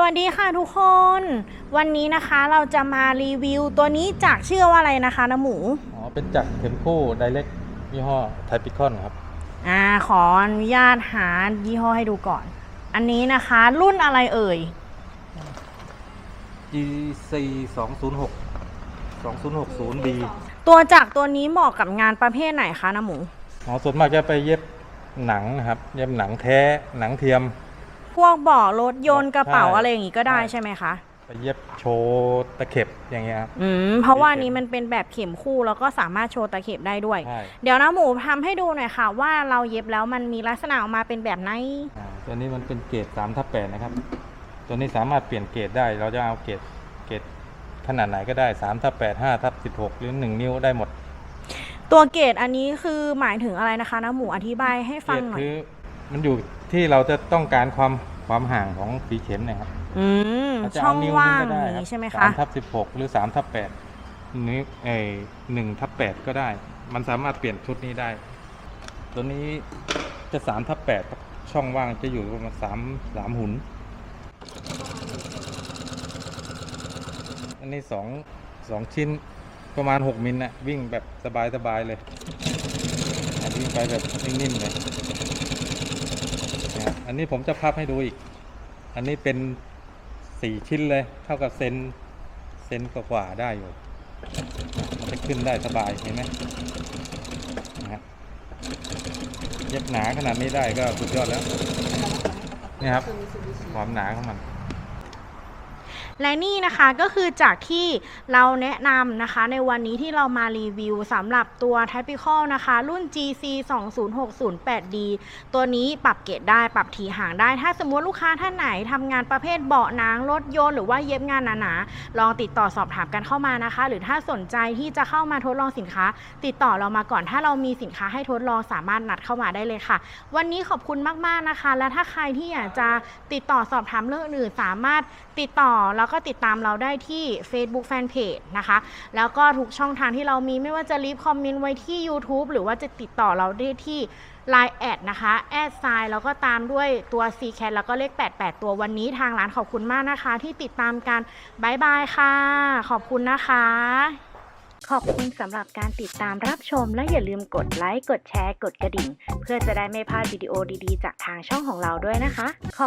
วัสดีค่ะทุกคนวันนี้นะคะเราจะมารีวิวตัวนี้จากชื่อว่าอะไรนะคะน้ำหมูเป็นจากเข็มคู่ไดเรกยี่ห้อไทปิคอนครับขออนุญาตหายี่ห้อให้ดูก่อนอันนี้นะคะรุ่นอะไรเอ่ย GC 206 2060B ตัวจากตัวนี้เหมาะกับงานประเภทไหนคะน้ำหมูส่วนมากจะไปเย็บหนังนะครับเย็บหนังแท้หนังเทียมพวกเบาะรถยนต์กระเป๋าอะไรอย่างงี้ก็ได้ใช่ไหมคะไปเย็บโชว์ตะเข็บอย่างเงี้ยครับเพราะว่านี้มันเป็นแบบเข็มคู่แล้วก็สามารถโชว์ตะเข็บได้ด้วยเดี๋ยวนะหมูทำให้ดูหน่อยค่ะว่าเราเย็บแล้วมันมีลักษณะออกมาเป็นแบบไหนตัวนี้มันเป็นเกรด 3/8 นะครับตัวนี้สามารถเปลี่ยนเกรดได้เราจะเอาเกรดขนาดไหนก็ได้ 3/8 5/16 หรือ1 นิ้วได้หมดตัวเกรดอันนี้คือหมายถึงอะไรนะคะน้าหมูอธิบายให้ฟังหน่อยคือมันอยู่ที่เราจะต้องการความห่างของฝีเข็มนะครับช่องว่างนี้ใช่ไหมคะ 3/16 หรือ 3/8 นิ้ว1/8 ก็ได้มันสามารถเปลี่ยนชุดนี้ได้ตัวนี้จะ 3/8 ช่องว่างจะอยู่ประมาณ3 หุ่นอันนี้2 ชิ้นประมาณ6 มิลนะวิ่งแบบสบายเลยวิ่งไปแบบนิ่มๆเลยอันนี้ผมจะพับให้ดูอีกอันนี้เป็น4 ชิ้นเลยเท่ากับเซนกว่าได้อยู่มันจะขึ้นได้สบายเห็นไหมนะครับเย็บหนาขนาดนี้ได้ก็สุดยอดแล้วนี่ครับความหนาของมันและนี่นะคะก็คือจากที่เราแนะนำนะคะในวันนี้ที่เรามารีวิวสำหรับตัว Typical นะคะรุ่น GC 20608D ตัวนี้ปรับเกรดได้ปรับถี่ห่างได้ถ้าสมมติลูกค้าท่านไหนทำงานประเภทเบาะหนังรถยนต์หรือว่าเย็บงานหนาๆลองติดต่อสอบถามกันเข้ามานะคะหรือถ้าสนใจที่จะเข้ามาทดลองสินค้าติดต่อเรามาก่อนถ้าเรามีสินค้าให้ทดลองสามารถนัดเข้ามาได้เลยค่ะวันนี้ขอบคุณมากๆนะคะและถ้าใครที่อยากจะติดต่อสอบถามเรื่องอื่นสามารถติดต่อแล้วก็ติดตามเราได้ที่ Facebook Fanpage นะคะแล้วก็ทุกช่องทางที่เรามีไม่ว่าจะรีบคอมเมนต์ไว้ที่ YouTube หรือว่าจะติดต่อเราได้ที่ Line แอดนะคะแอดไซน์แล้วก็ตามด้วยตัว CCAT แล้วก็เลข88ตัววันนี้ทางร้านขอบคุณมากนะคะที่ติดตามกันบ๊ายบายค่ะขอบคุณนะคะขอบคุณสำหรับการติดตามรับชมและอย่าลืมกดไลค์กดแชร์กดกระดิ่งเพื่อจะได้ไม่พลาดวิดีโอดีๆจากทางช่องของเราด้วยนะคะ